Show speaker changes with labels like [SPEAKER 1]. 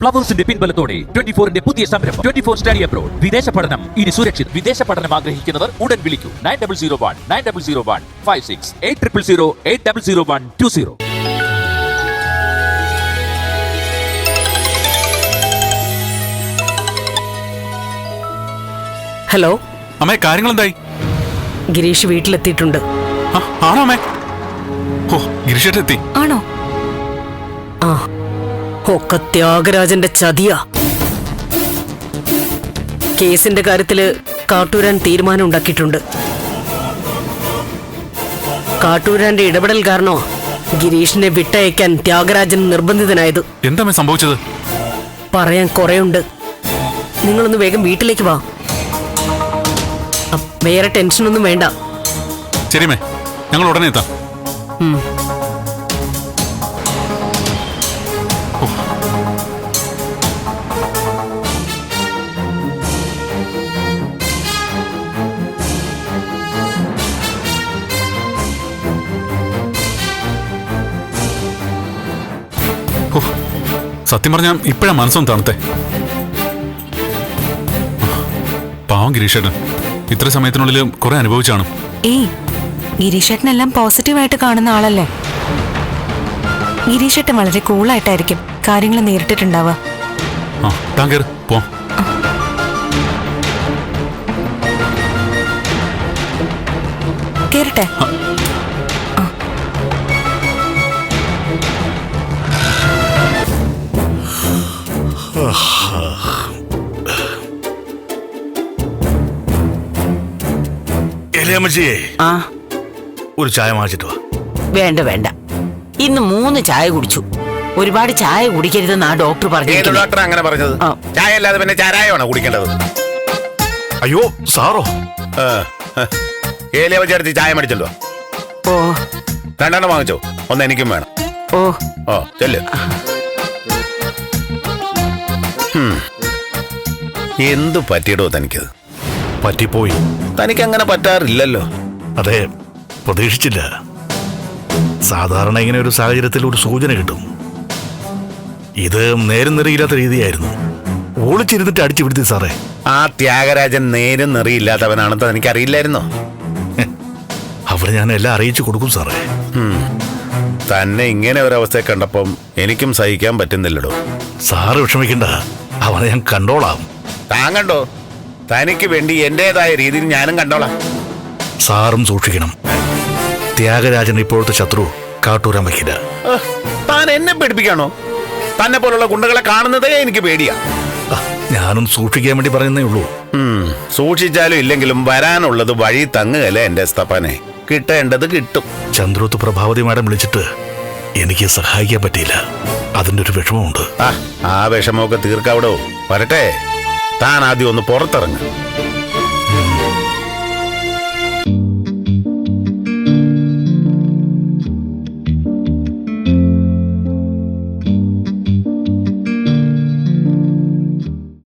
[SPEAKER 1] ഫ്ലവേഴ്സിന്റെ പിൻബലത്തോടെ 24ന്റെ പുതിയ സംരംഭം 24 study abroad. വിദേശ പഠനം ഇനി സുരക്ഷിത്. വിദേശ പഠനം ആഗ്രഹിക്കുന്നവർ ഉടൻ വിളിക്കൂ 9001 56 800120.
[SPEAKER 2] ഹലോ
[SPEAKER 3] അമ്മേ, കാര്യങ്ങൾ എന്തായി?
[SPEAKER 2] ഗിരീഷ് വീട്ടിലെത്തിയിട്ടുണ്ട്.
[SPEAKER 3] ആണോ അമ്മേ? ഓ, ഗിരീഷേട്ടെത്തി
[SPEAKER 4] ആണോ?
[SPEAKER 2] ആ, ഒക്കെ ത്യാഗരാജന്റെ ചതിയാ. കേസിന്റെ കാര്യത്തില് കാട്ടൂരാൻ തീരുമാനം ഉണ്ടാക്കിയിട്ടുണ്ട്. കാട്ടൂരാന്റെ ഇടപെടൽ കാരണോ ഗിരീഷിനെ വിട്ടയക്കാൻ ത്യാഗരാജൻ നിർബന്ധിതനായത്.
[SPEAKER 3] എന്താ സംഭവിച്ചത്?
[SPEAKER 2] പറയാൻ കുറെയുണ്ട്. നിങ്ങളൊന്ന് വേഗം വീട്ടിലേക്ക് വാ. വേറെ ടെൻഷനൊന്നും വേണ്ട.
[SPEAKER 3] ശരിമേ, ഞങ്ങൾ ഉടനെ എത്താം. സത്യം പറഞ്ഞാൽ ഇപ്പോഴാ മനസ്സൊന്ന് തണുത്തേ. പാവം ഗിരീഷേട്ടൻ ഇത്ര സമയത്തിനുള്ളിൽ കുറെ അനുഭവിച്ചാണ്.
[SPEAKER 4] ഏയ്, ഗിരീഷേട്ടനെല്ലാം പോസിറ്റീവായിട്ട് കാണുന്ന ആളല്ലേ. ഗിരീഷേട്ടൻ വളരെ കൂളായിട്ടായിരിക്കും കാര്യങ്ങൾ നേരിട്ടിട്ടുണ്ടാവുക.
[SPEAKER 3] ആ, താൻ കേറ്, പോ.
[SPEAKER 4] കേറട്ടെ?
[SPEAKER 5] ആ, ഒരു ചായ വാങ്ങിച്ചിട്ട് വാ.
[SPEAKER 6] വേണ്ട വേണ്ട, ഇന്ന് 3 ചായ കുടിച്ചു. ഒരുപാട് ചായ കുടിക്കരുതെന്നാ ഡോക്ടർ പറഞ്ഞു.
[SPEAKER 5] ഡോക്ടർ അങ്ങനെ പറഞ്ഞത്? ചായ അല്ലാതെ പിന്നെ ചാരായമാണോ കുടിക്കേണ്ടത്? അയ്യോ സാറോ, ഏലിയ വെച്ചെടുത്ത് ചായ മേടിച്ചല്ലോ.
[SPEAKER 6] ഓ,
[SPEAKER 5] 2 വാങ്ങിച്ചോ, ഒന്ന് എനിക്കും വേണം.
[SPEAKER 6] ഓ
[SPEAKER 5] ഓ, ചെല്ല്. എന്തു പറ്റിയിടോ തനിക്കത്?
[SPEAKER 7] പറ്റിപ്പോയി.
[SPEAKER 5] തനിക്ക് അങ്ങനെ പറ്റാറില്ലല്ലോ.
[SPEAKER 7] അതെ, പ്രതീക്ഷിച്ചില്ല. സാധാരണ ഇങ്ങനെ ഒരു സാഹചര്യത്തിൽ ഒരു സൂചന കിട്ടും. ഇത് നേരം നിറയില്ലാത്ത രീതിയായിരുന്നു. ഒളിച്ചിരുന്നിട്ട് അടിച്ചു പിടിച്ചു സാറേ.
[SPEAKER 5] ആ ത്യാഗരാജൻ നേരം നിറയില്ലാത്തവനാണെന്ന് തനിക്കറിയില്ലായിരുന്നോ?
[SPEAKER 7] അവരെ ഞാൻ എല്ലാം അറിയിച്ചു കൊടുക്കും സാറേ.
[SPEAKER 5] തന്നെ ഇങ്ങനെ ഒരവസ്ഥയെ കണ്ടപ്പം എനിക്കും സഹിക്കാൻ പറ്റുന്നില്ലടോ.
[SPEAKER 7] സാറ് വിഷമിക്കണ്ട, അവനെ ഞാൻ കണ്ടോളാം.
[SPEAKER 5] താൻ കണ്ടോ? തനിക്ക് വേണ്ടി എന്റേതായ രീതിയിൽ ഞാനും കണ്ടോളാം.
[SPEAKER 7] സാറും സൂക്ഷിക്കണം. ത്യാഗരാജൻ ഇപ്പോഴത്തെ ശത്രു കാട്ടൂരാൻ വയ്ക്കില്ല.
[SPEAKER 5] താൻ എന്നെ പേടിപ്പിക്കാണോ? തന്നെ പോലുള്ള ഗുണ്ടകളെ കാണുന്നതേ എനിക്ക് പേടിയാ.
[SPEAKER 7] ഞാനും സൂക്ഷിക്കാൻ വേണ്ടി പറയുന്നേ ഉള്ളൂ.
[SPEAKER 5] സൂക്ഷിച്ചാലും ഇല്ലെങ്കിലും വരാനുള്ളത് വഴി തങ്ങുകയല്ലേ എന്റെ സ്തപ്പനെ. കിട്ടേണ്ടത് കിട്ടും.
[SPEAKER 7] ചന്ദ്രോത്ത് പ്രഭാവതി മാഡം വിളിച്ചിട്ട് എനിക്ക് സഹായിക്കാൻ പറ്റിയില്ല. അതിന്റെ ഒരു വിഷമമുണ്ട്.
[SPEAKER 5] ആ വിഷമമൊക്കെ തീർക്കാവിടോ. വരട്ടെ, താൻ ആദ്യം ഒന്ന് പുറത്തിറങ്ങ്.